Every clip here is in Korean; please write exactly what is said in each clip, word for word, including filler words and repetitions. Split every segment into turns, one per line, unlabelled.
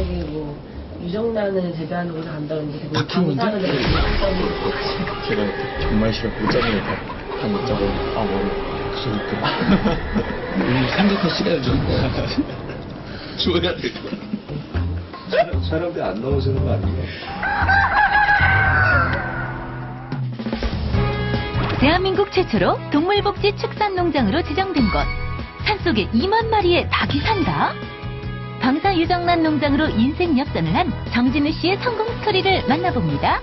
만약에 뭐 유정란을 재배하는 곳에 간다든지 되게
박힌
방사능
문제?
제가 정말 싫어 못자면 다 못 자고 아 뭐 무슨
우리 생각할 시간을 좀 줘야 돼.
촬영대 안 나오시는 거 아니에요?
대한민국 최초로 동물복지 축산농장으로 지정된 곳. 산속에 이만 마리의 닭이 산다? 방사유정란 농장으로 인생 역전을 한 정진우 씨의 성공 스토리를 만나봅니다.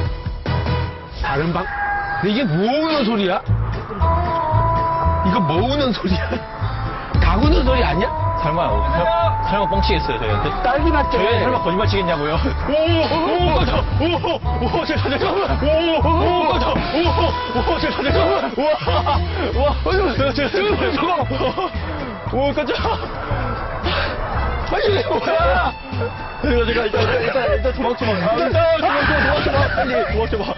다른 방? 근데 이게 뭐 우는 소리야? 이거 뭐 우는 소리야? 닭 우는 소리 아니야?
설마 설마 뻥치겠어요 저희한테?
딸기 같죠?
저희 설마 거짓말 치겠냐고요? 오오오 꺼져 오오 제가 잠깐만 오오 꺼져 오오 제가 잠깐만 와와 제가 제가 저거 오 꺼져 아니 이게 뭐야? 제가 제가 일단 일단 일단 도망쳐봐 일단 도망쳐 도망쳐봐 빨리 도망쳐봐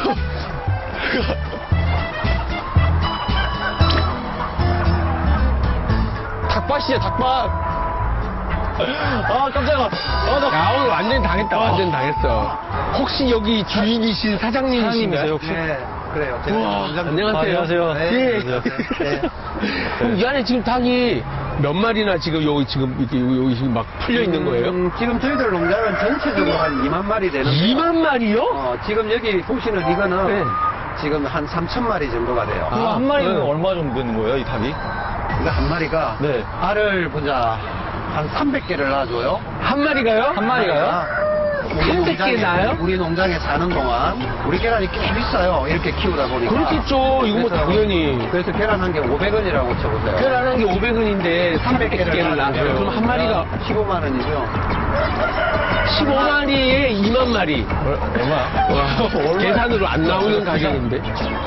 닭밭이야 닭밭 아 깜짝이야 아, 나...
야 오늘 완전히 당했다 완전히 당했어. 혹시 여기 주인이신 사장님이신가요?
혹시?
네, 그래요. 제가
우와,
원장-
안녕하세요.
아, 안녕하세요.
네.
예.
안녕하세요.
네.
그럼 이 안에 지금 닭이 몇 마리나 지금 여기 지금 이렇게 여기 지금 막 풀려 있는 거예요?
음, 지금 저희들 농장은 전체적으로 한 이만 마리 되는데.
이만 마리요?
어, 지금 여기 보시는 이거는
네.
지금 한 삼천 마리 정도가 돼요.
그거 한 마리면
네.
얼마 정도 되는 거예요 이 닭이?
이거 한 마리가
네.
알을 보자 한 삼백 개를 낳아줘요.
한 마리가요?
한 마리가요?
아, 우리
삼백 개
농장에-
나요?
우리 농장에 사는 동안 우리 계란이 꽤 비싸요. 이렇게 키우다 보니까.
그렇겠죠. 이거 뭐
그래서-
당연히.
그래서 계란 한 개 오백 원이라고 쳐보세요.
계란한 게 오백 원인데 삼백 개를 낳아요. 그럼 한 마리가
십오만 원이죠.
십오 마리에 이만 마리.
얼마야?
와, 계산으로 안 나오는 가격인데.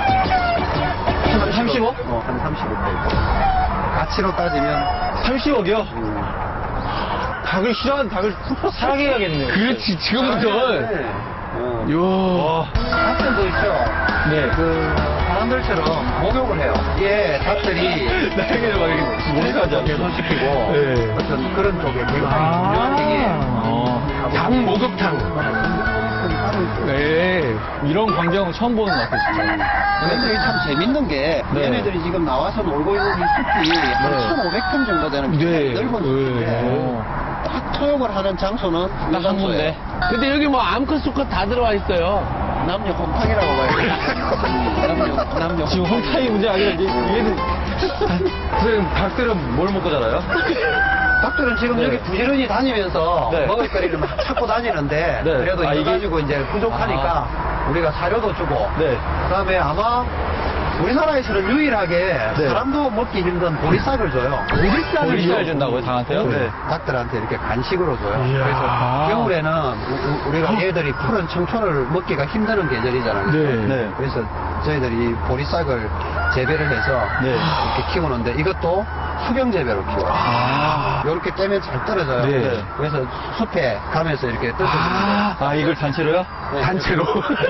삼십억?
어, 한 삼십억 대. 가치로 따지면
삼십억이요?
음,
닭을 싫어하는 닭을 사게 해야겠네요.
그렇지, 지금부터.
네. 어.
이야.
닭들도 있죠.
네.
그 사람들처럼 목욕을 해요. 예, 닭들이
나에게는 막 이렇게 목욕하죠.
개선시키고
네.
어떤 그런 쪽에 굉장히
아.
유명한 얘기예요.
어.
닭 목욕탕. 네.
이런 광경 처음 보는 것 같아요, 진짜.
얘네들이 참 재밌는 게
네.
얘네들이 지금 나와서 놀고 있는 이 숲이 한
네.
천오백 평 정도 되는
네.
넓은 숲인데
네.
딱 토욕을 하는 장소는
딱 한 군데.
근데 여기 뭐 암컷 수컷 다 들어와 있어요.
남녀 혼탕이라고 봐야 돼. 남녀, 남녀
지금 혼탕이 문제가 아니라 이제 얘는 선생님 닭들은 뭘 먹고 자라요?
닭들은 지금
네.
여기 부지런히 다니면서
네.
먹을거리를 막 찾고 다니는데
네.
그래도
아,
이거
이게-
가지고 이제 부족하니까 우리가 사료도 주고
네.
그다음에 아마 우리나라에서는 유일하게
네.
사람도 먹기 힘든 보리쌀을 줘요.
보리쌀을
보리쌀 준다고요, 닭한테요?
네. 닭들한테 이렇게 간식으로 줘요.
이야.
그래서 겨울에는 우- 우리가 얘들이 푸른 청초를 먹기가 힘드는 계절이잖아요.
네.
네.
그래서 저희들이 보리쌀을 재배를 해서
네.
이렇게 키우는데 이것도 수경 재배로 키워요.
아.
이렇게 떼면 잘 떨어져요.
네.
그래서 숲에 가면서 이렇게 떨어집니다.
아.
아, 이걸 단체로요?
단체로.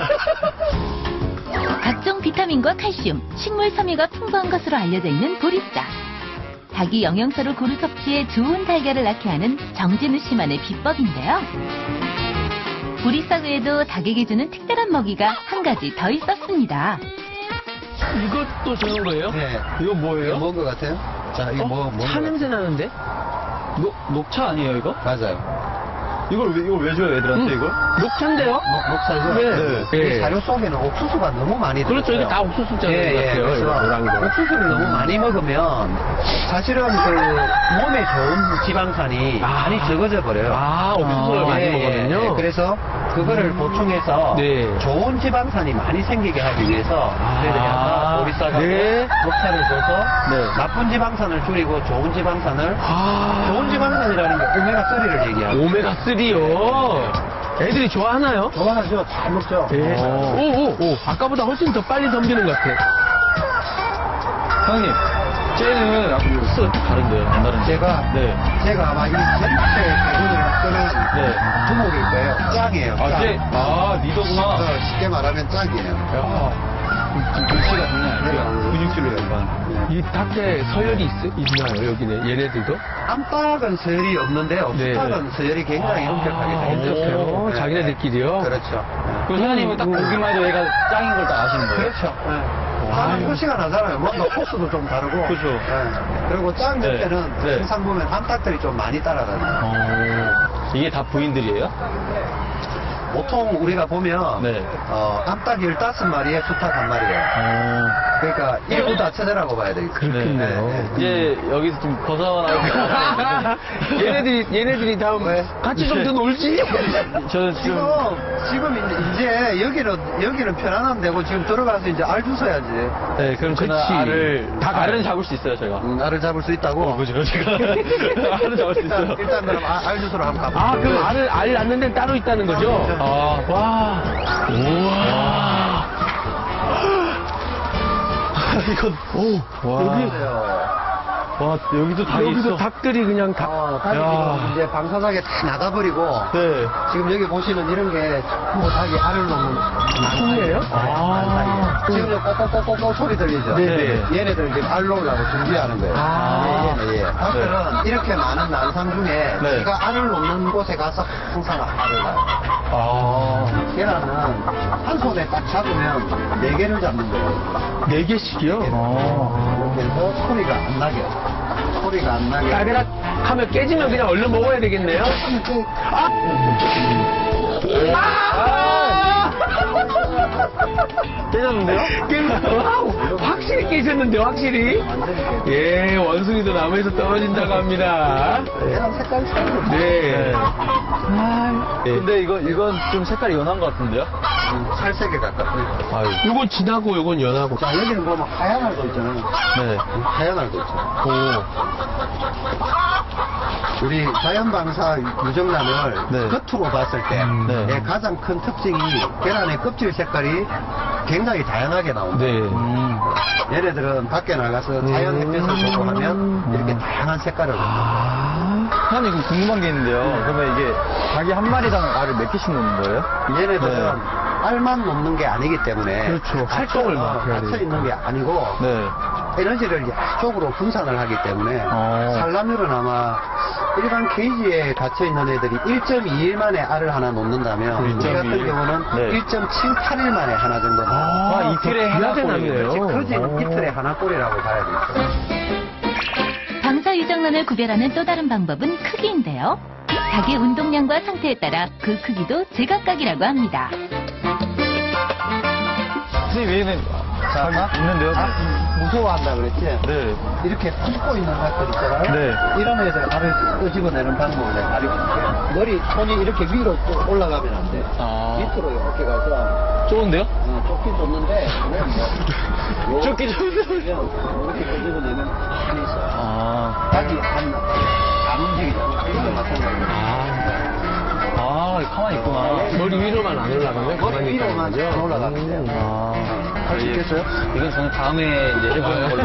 각종 비타민과 칼슘, 식물 섬유가 풍부한 것으로 알려져 있는 보리쌀. 닭이 영양소를 고루 섭취해 좋은 달걀을 낳게 하는 정진우 씨만의 비법인데요. 보리쌀 외에도 닭에게 주는 특별한 먹이가 한 가지 더 있었습니다.
이것도 저런 거예요?
네.
이거 뭐예요?
뭔 것 같아요? 자, 이거
어?
뭐, 뭔
차
것
냄새 나는데?
녹, 녹차 아니에요, 이거?
같아요? 맞아요.
이걸 왜, 이걸 왜 줘요, 애들한테
음.
이걸?
녹차인데요?
녹- 녹차죠?
네.
이
네.
사료 속에는 옥수수가 너무 많이 들어요.
그렇죠. 이게 다 옥수수잖아요.
예, 예.
같아요.
그래서
노란 거.
옥수수를 너무 많이 먹으면 사실은 그 몸에 좋은 지방산이
아.
많이 적어져 버려요.
아, 옥수수를
예,
많이
예,
먹거든요.
예. 그래서 그거를 보충해서
네.
좋은 지방산이 많이 생기게 하기 위해서 저희들이 아까 보리쌀하고
네.
녹차를 줘서
네.
나쁜 지방산을 줄이고 좋은 지방산을
아.
좋은 지방산이라는 게 오메가삼을 얘기하고
오메가삼이요? 애들이 좋아하나요?
좋아하죠. 잘 먹죠.
예.
어.
오, 오, 오. 아까보다 훨씬 더 빨리 덤비는 것 같아.
사장님, 쟤는 아까 수 다른데요, 안 다른데?
제가
네.
제가 아마 이 전체 대군을 끄는
네.
두목일 거예요. 짱이에요.
아,
짱.
쟤, 아, 리더구나.
어, 쉽게 말하면 짱이에요.
글씨가 장난이 아니고요. 근육질로 연관.
이 닭에 서열이 있, 있나요, 여기는? 얘네들도?
암탉은 서열이 없는데요.
네.
수탉은 서열이 굉장히 엄격하게 생겼어요.
엄격해요?
네.
자기네들끼리요?
그렇죠.
그 사장님은 딱 보기만 해도 얘가 짱인 걸 딱 아시는 거예요?
그렇죠. 하는 표시가 나잖아요. 뭔가 코스도 좀 다르고.
그렇죠.
네. 그리고 짱
네.
옆에는
네.
항상 보면 암탉들이 좀 많이 따라다녀요.
어. 이게 다 부인들이에요?
보통 우리가 보면
네.
어, 암탉 열다섯 마리에 수탉 한 마리예요.
어.
그러니까 일부 다체제라고 봐야 되겠죠.
그렇겠네요.
네, 네.
이제 여기서 좀 벗어나고
얘네들이, 얘네들이 다음
왜?
같이 좀 더 놀지?
저는
지금
지금
지금 이제, 이제 여기는 여기는 편안하면 되고 지금 들어가서 이제 알 주워야지.
네, 그럼 저는
그치.
알을
다
알은
가요.
잡을 수 있어요, 제가.
음, 알을 잡을 수 있다고.
그죠, 제가 알은 잡을 수
일단,
있어요.
일단 그럼 아, 알 주소로 한번 가볼게요.
아, 그럼 알을, 알 낳는 데는 따로 있다는 거죠?
그렇죠.
아, 와. 우와.
이건
오,
와.
여기,
와 여기도 닭이
여기도
있어.
닭들이 그냥 다.
어, 닭이
야.
지금 이제 방사닭에 다 나가버리고
네.
지금 여기 보시는 이런 게 전부 닭이 알을 놓는
풍이에요?
아.
지금 이제 꼬꼬꼬꼬꼬 소리 들리죠?
네네.
얘네들 지금 알 놓으려고 준비하는 거예요.
아.
예, 예. 닭들은 이렇게 많은 난상 중에
네.
제가 알을 놓는 곳에 가서 항상 알을 낳아요.
아.
계란은 한 손에 딱 잡으면 네 개를 잡는 거예요.
네 개씩이요?
아.
이렇게 해서 소리가 안 나게. 소리가 안 나게.
따그락 하면 깨지면 그냥 얼른 먹어야 되겠네요? 아! 아!
깨졌는데요?
와우! 확실히 깨졌는데, 확실히? 예, 원숭이도 나무에서 떨어진다고 합니다.
계란 색깔 차이도
네.
네. 근데 이거 이건 좀 색깔이 연한 것 같은데요?
살색에 가깝고요.
아유.
요건 진하고 요건 연하고.
자, 여기는 보면 하얀 알도 있잖아요.
네.
하얀 알도 있죠.
오.
우리 자연방사 유정란을
네.
겉으로 봤을 때
네.
예, 가장 큰 특징이 계란의 껍질 색깔이 굉장히 다양하게 나옵니다.
네.
음.
얘네들은 밖에 나가서 자연 햇빛을 보고 하면 이렇게 다양한 색깔을
아.
사장님 이거 궁금한 게 있는데요. 그러면 이게 닭이 한 마리당 알을 몇 개씩 놓는 거예요?
얘네들은
네.
알만 놓는 게 아니기 때문에
그렇죠. 활동을 막 해야
갇혀
돼요.
있는 게 아니고
네.
에너지를 양쪽으로 분산을 하기 때문에
어.
산란율은 아마 일반 케이지에 갇혀 있는 애들이 일 점 이 일 만에 알을 하나 놓는다면 우리 같은
일 점 이 일?
경우는
네.
일 점 칠팔 일 만에 하나 정도 나와요.
아, 이틀에 하나
귀하게
꼴이네요.
나네요.
커진 이틀에 하나 꼴이라고 봐야 되겠죠.
방사 유정란을 구별하는 또 다른 방법은 크기인데요. 닭의 운동량과 상태에 따라 그 크기도 제각각이라고 합니다.
선생님 얘는 닭이 있는데요?
아, 무서워한다 그랬지?
네.
이렇게 품고 있는 닭들 있잖아요.
네.
이런 애들 알을 끄집어내는 방법을 내가 가르쳐줄게. 머리, 손이 이렇게 위로 쭉 올라가면 안 돼.
아.
밑으로 이렇게 가서
좋은데요?
어, 쫓긴 쫓는데 뭐,
쫓긴 쫓는데.
이렇게 끄집어내면 가만히 있어요.
아.
닭이 안, 안 움직이잖아. 이거 마찬가지예요.
아, 가만히 있구나.
머리 위로만 안 올라가면
머리
가만히
위로만
있다는
안
거죠?
올라가면 돼요.
아.
할 수 있겠어요?
이건 저는 다음에 이제 해보는 걸로.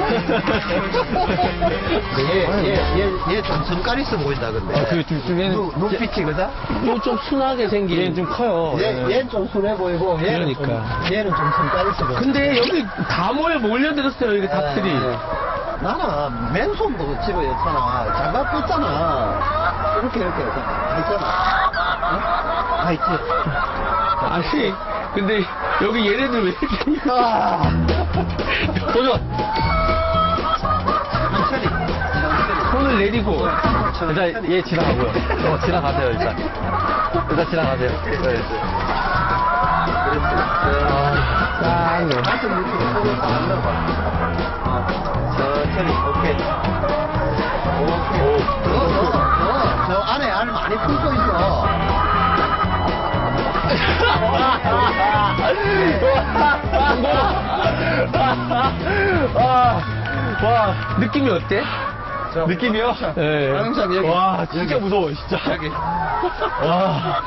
얘, 얘, 얘 좀 성깔 있어 보인다, 근데.
아, 그, 좀, 좀 얘는.
눈, 눈빛이, 그죠?
좀 순하게 생긴.
얘는 좀 커요.
얘,
얘는.
얘는 좀 순해 보이고, 얘는
그러니까.
좀, 얘는 좀 성깔 있어 보여.
근데 여기 다 모여 몰려들었어요, 여기 닭들이.
네. 나는 맨손도 집어 였잖아. 장갑 꼈잖아. 이렇게, 이렇게, 다 있잖아. 어? 다 있지.
아니, 근데 여기 얘네들 왜 이렇게.
아,
도전!
천천히. 천천히.
손을 내리고.
일단 얘 지나가고요. 어, 지나가세요, 일단. 일단 지나가세요. 네.
아, 네.
가슴 이렇게 속을 안 넣어봐. 천천히, 오케이. 오케이. 너, 너, 너, 저 안에 알 많이 품고 있어.
와, 와, 느낌이 어때?
느낌이요?
네.
항상 여기.
와, 진짜 무서워, 진짜.
여기.
와.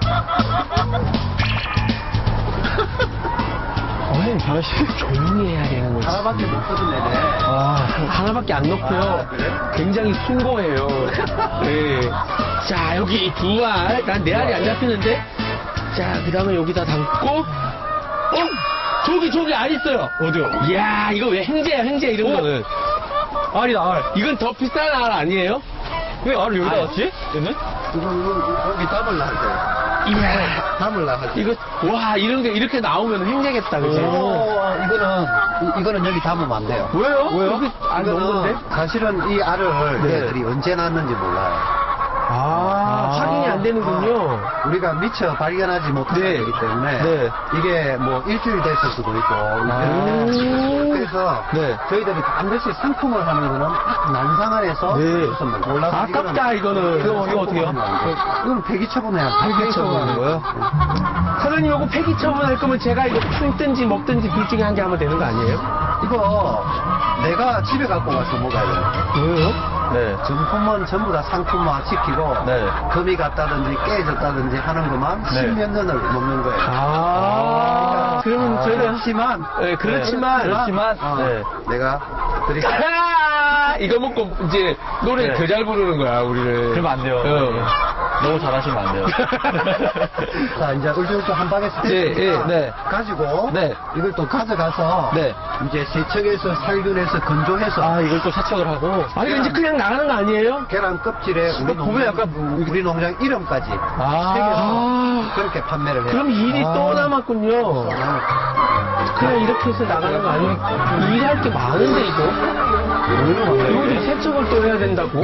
어머님, 변씨 조용히 해야 되는 거지.
하나밖에 못 쓰던 애네.
와, 하나밖에 안 넣고요.
아, 그래?
굉장히 숭고해요. 네. 자, 여기 두 알. 난 네 알이 안 잡히는데. 자, 그 다음에 여기다 담고. 어? 저기, 저기 알 있어요.
어디요?
이야, 이거 왜 행제야, 행제, 이런
어?
거는.
알이다, 알.
이건 더 비싼 알 아니에요?
왜 알을 여기다
알.
놨지? 얘는?
이건 여기 담을라 할 때.
이야,
담을라 할 때.
이거, 와, 이런 게 이렇게 나오면 행제겠다, 그지?
어, 이거는, 이- 이거는 여기 담으면 안 돼요.
왜요?
왜요?
여기 안 넣은
이거는
건데?
사실은 이 알을
네.
얘들이 언제 낳았는지 몰라요.
아, 확인이 안 되는군요.
우리가 미처 발견하지 못한
네.
거기 때문에
네.
이게 뭐 일주일 됐을 수도 있고
오.
그래서
네.
저희들이 반드시 상품을 하는 거는 딱 난상안에서
네.
무슨 몰라서
아깝다, 이거는.
이거는
이거 어떻게 해요?
이건 폐기 처분해야
폐기 처분하는 거예요? 사장님, 이거 폐기 처분할 거면 제가 이거 품든지 먹든지 둘 중에 한 개 하면 되는 거 아니에요?
이거 내가 집에 갖고 가서 먹어야 돼요.
왜요?
네.
정품은 전부 다 상품화 시키고
네.
금이 갔다든지 깨졌다든지 하는 것만
네.
십몇 년을 먹는 거예요.
아, 그러면 저희가.
그렇지만
네, 그렇지만.
그렇지만,
어,
네.
내가 드릴게요.
아, 이거 먹고 이제 노래
네.
더 잘 부르는 거야, 우리를.
그러면 안 돼요.
어.
너무 잘하시면 안 돼요.
자, 이제 울줄울줄 한 방에
네,
스테이크니까
네, 네.
가지고
네.
이걸 또 가져가서
네.
이제 세척해서 살균해서 건조해서
아, 이걸 또 세척을 하고.
아, 이거 이제 그냥 나가는 거 아니에요?
계란 껍질에 우리
보면
농장,
약간
우리 농장 이름까지
아.
새겨서 그렇게 판매를 해요.
그럼 일이
아.
또 남았군요. 그냥 이렇게 해서 나가는 거 아니에요? 일할 게 많은데, 이거? 이거 좀 세척을 또 해야 된다고?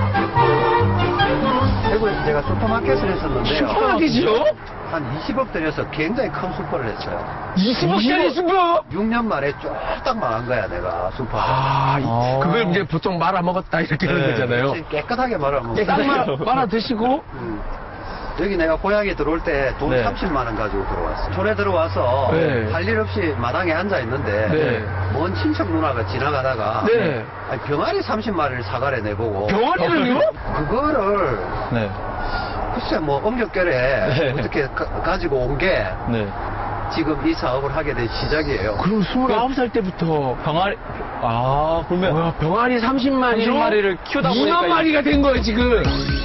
대구에서 제가 슈퍼마켓을 했었는데요.
슈퍼마켓이요?
한 이십억 들여서 굉장히 큰 슈퍼를 했어요.
이십억짜리 슈퍼?
육 년 만에 쫄딱 망한 거야, 내가 슈퍼가.
아,
아.
그걸 이제 보통 말아 먹었다, 이렇게 하는
네.
거잖아요.
깨끗하게 말하면.
딱 말아, 말아 드시고,
음. 여기 내가 고향에 들어올 때 돈
네.
삼십만 원 가지고 들어왔어. 촌에 들어와서
네.
할 일 없이 마당에 앉아 있는데
네.
먼 친척 누나가 지나가다가
네.
아니, 병아리 삼십 마리를 사가래 내보고
병아리를요?
그거를
네.
글쎄 뭐 엄격결에
네.
어떻게 가, 지고 온 게
네.
지금 이 사업을 하게 된 시작이에요.
그럼 스물아홉 살 때부터
병아리, 아, 그러면.
뭐야, 병아리 삼십 마리로
삼십 마리를 키우다 보니까
이만 마리가 된 거예요, 지금.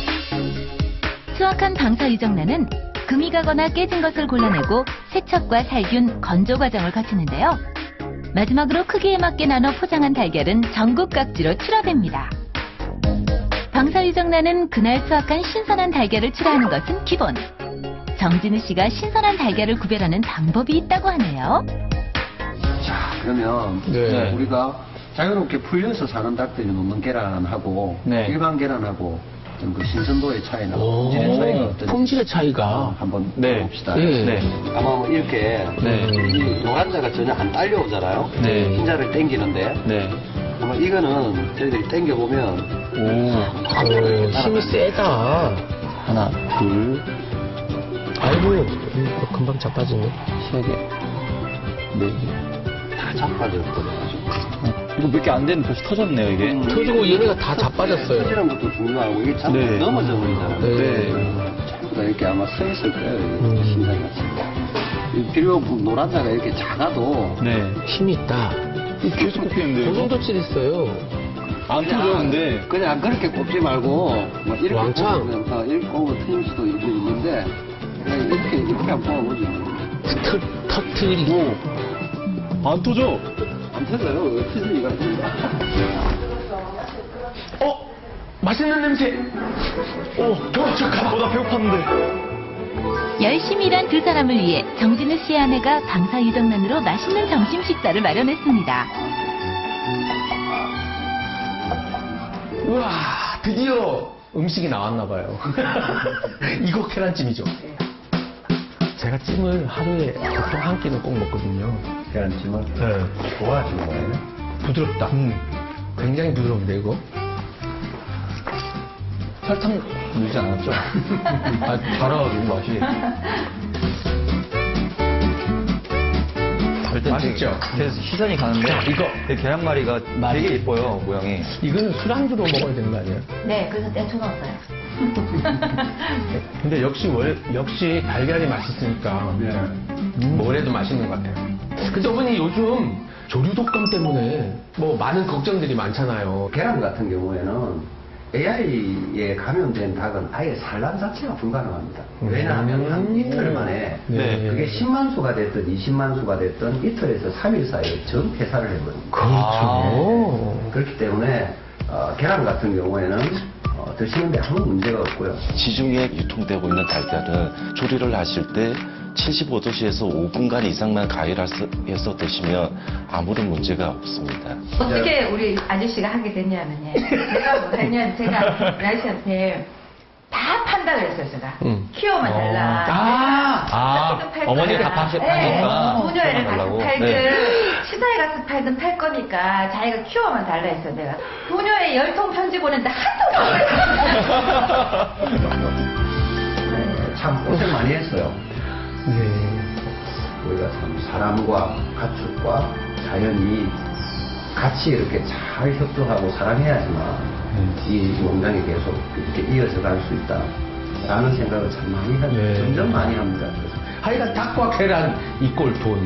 수확한 방사 유정란은 금이 가거나 깨진 것을 골라내고 세척과 살균, 건조 과정을 거치는데요. 마지막으로 크기에 맞게 나눠 포장한 달걀은 전국 각지로 출하됩니다. 방사 유정란은 그날 수확한 신선한 달걀을 출하하는 것은 기본. 정진우 씨가 신선한 달걀을 구별하는 방법이 있다고 하네요.
자 그러면
네.
우리가 자유롭게 풀려서 사는 닭들이 놓는 계란하고
네.
일반 계란하고 좀 그 신선도의 차이나
오,
품질의 차이가 어떤지
품질의 차이가.
어, 한번
네.
봅시다.
네.
네.
아마 뭐 이렇게
네.
이 노란자가 전혀 안 딸려오잖아요.
네.
흰자를 당기는데
네.
아마 이거는 저희들이 당겨보면
오.
어, 힘이 세다.
하나, 둘,
아이고, 이거 금방 자빠지네.
세 개, 네 개.
다 자빠졌거든요.
이거 몇 개 안 되는 벌써 터졌네요, 이게.
음.
터지고 얘네가 다 자빠졌어요.
터지는 것도 중요하고 이게 자꾸
네.
넘어져 버리잖아요.
네.
전부 다 이렇게 아마 서 있을 거예요.
음.
심장같이. 비록 노란자가 이렇게 작아도
네.
힘이 있다.
계속 꼽히는데.
그 정도 칠 있어요.
안 터졌는데.
그냥 그렇게 꼽지 말고 뭐 이렇게
왕창.
꼽으면 어, 이렇게 꼽으면 틀릴 수도 있- 있는데 그냥 이렇게 이렇게 한번 뽑아보죠.
터, 터트리고.
안 터져.
안 터져요. 왜 터질 리가 있습니다.
어? 맛있는 냄새. 어, 저, 저, 가.
어, 나 배고팠는데.
열심히 일한 두 사람을 위해 정진우 씨의 아내가 방사 유정란으로 맛있는 점심 식사를 마련했습니다.
우와, 드디어 음식이 나왔나봐요. 이거 계란찜이죠. 제가 찜을 하루에 보통 한 끼는 꼭 먹거든요.
계란찜을
네.
좋아하시는 거예요?
부드럽다.
음.
굉장히 부드러운데, 이거?
설탕 넣지 않았죠? 아, 달아가지고 맛이. 일단
맛있죠?
되게 시선이 가는데
이거.
이 계란말이가 되게 예뻐요, 모양이.
이거는 술안주로 먹어야 되는 거 아니에요?
네, 그래서 떼쳐 넣었어요.
근데 역시 월, 역시 달걀이 맛있으니까
네.
뭘 해도 맛있는 것 같아요. 근데 어머니 요즘 조류 독감 때문에 뭐 많은 걱정들이 많잖아요.
계란 같은 경우에는 에이아이에 감염된 닭은 아예 산란 자체가 불가능합니다. 왜냐하면 한 이틀 만에
네.
그게 십만 수가 됐든 이십만 수가 됐든 이틀에서 삼 일 사이에 전 폐사를 해버립니다.
그렇죠.
그렇기 때문에 어, 계란 같은 경우에는 어, 드시는데 아무 문제가 없고요.
시중에 유통되고 있는 달걀은 조리를 하실 때 칠십오 도씨에서 오 분간 이상만 가열해서 드시면 아무런 문제가 없습니다.
어떻게 우리 아저씨가 하게 됐냐면요. 제가 뭐 했냐면 제가 아저씨한테 다 판다 그랬어요, 제가.
응.
키워만 달라.
아,
아, 어머니가 다 파시- 파니까
부녀회를
키워만 달라고.
가서 팔든
네.
시사에 가서 팔든 팔 거니까 자기가 키워만 달라 했어, 내가. 부녀회 열 통 편지 보냈는데 한 통도 안 왔어요.
참 고생 많이 했어요.
네.
우리가 참 사람과 가축과 자연이 같이 이렇게 잘 협조하고 사랑해야지만 이 농장이 계속 이렇게 이어져 갈 수 있다라는 생각을 참 많이 합니다.
네.
점점 많이 합니다. 그래서
하여간 닭과 계란 이꼴 돈.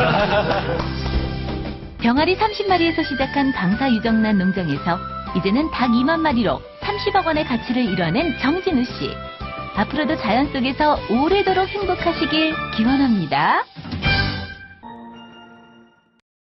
병아리 삼십 마리에서 시작한 방사 유정란 농장에서 이제는 닭 이만 마리로 삼십억 원의 가치를 이뤄낸 정진우 씨. 앞으로도 자연 속에서 오래도록 행복하시길 기원합니다.